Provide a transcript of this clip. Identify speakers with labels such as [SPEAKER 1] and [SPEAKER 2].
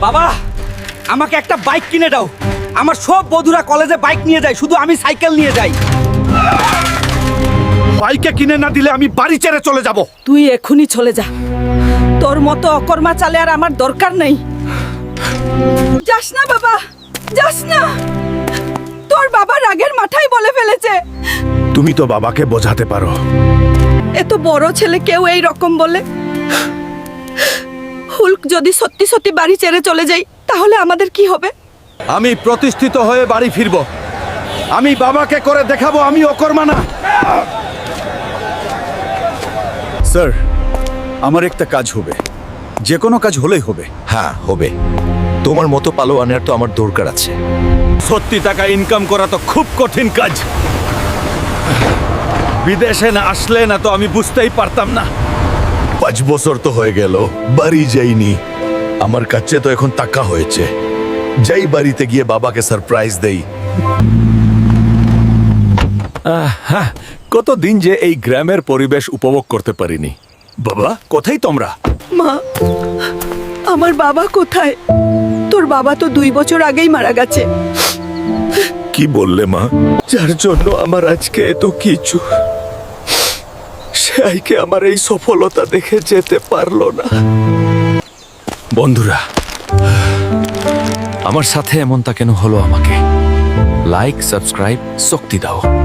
[SPEAKER 1] বাবা আমাকে একটা বাইক কিনে দাও। আমার সব বন্ধুরা কলেজে বাইক নিয়ে যায়, শুধু আমি সাইকেল নিয়ে যাই।
[SPEAKER 2] বাইকে কিনে না দিলে আমি বাড়ি ছেড়ে চলে যাব।
[SPEAKER 3] তুই এখনই চলে যা, তোর মতো অকর্মা চালে আর আমার দরকার নেই। যাস না বাবা, যাস না, তোর বাবা রাগের মাথায় বলে ফেলেছে।
[SPEAKER 2] তুমি তো বাবাকে বোঝাতে পারো।
[SPEAKER 3] এত বড় ছেলে কেউ এই রকম বলে? হুলক যদি সত্যি সত্যি বাড়ি ছেড়ে চলে যাই তাহলে আমাদের কি হবে?
[SPEAKER 2] আমি প্রতিষ্ঠিত হয়ে বাড়ি ফিরব। আমি বাবাকে করে দেখাবো আমি অকর্মা না।
[SPEAKER 4] স্যার, আমার একটা কাজ হবে, যে কোনো কাজ হলেই হবে।
[SPEAKER 5] হ্যাঁ হবে, তোমার মতো পালোয়ানের তো আমার দরকার আছে।
[SPEAKER 2] সত্যি টাকা ইনকাম করা তো খুব কঠিন কাজ। বিদেশে না আসলে না তো আমি বুঝতেই পারতাম না।
[SPEAKER 5] 5 বছর তো হয়ে গেল, বাড়ি যাইনি। আমার কাছে তো এখন টাকা হয়েছে, যাই বাড়িতে গিয়ে বাবাকে সারপ্রাইজ দেই।
[SPEAKER 2] কতদিন যে এই গ্রামের পরিবেশ উপভোগ করতে পারিনি। বাবা কোথায় তোমরা?
[SPEAKER 3] মা, আমার বাবা কোথায়? তোর বাবা তো 2 বছর আগেই মারা গেছে।
[SPEAKER 5] কি বললে মা? যার জন্য আমার আজকে এত কিছু, সে আইকে আমার এই সফলতা দেখে যেতে পারলো না।
[SPEAKER 6] বন্ধুরা, আমার সাথে এমনটা কেন হলো? আমাকে লাইক, সাবস্ক্রাইব, শক্তি দাও।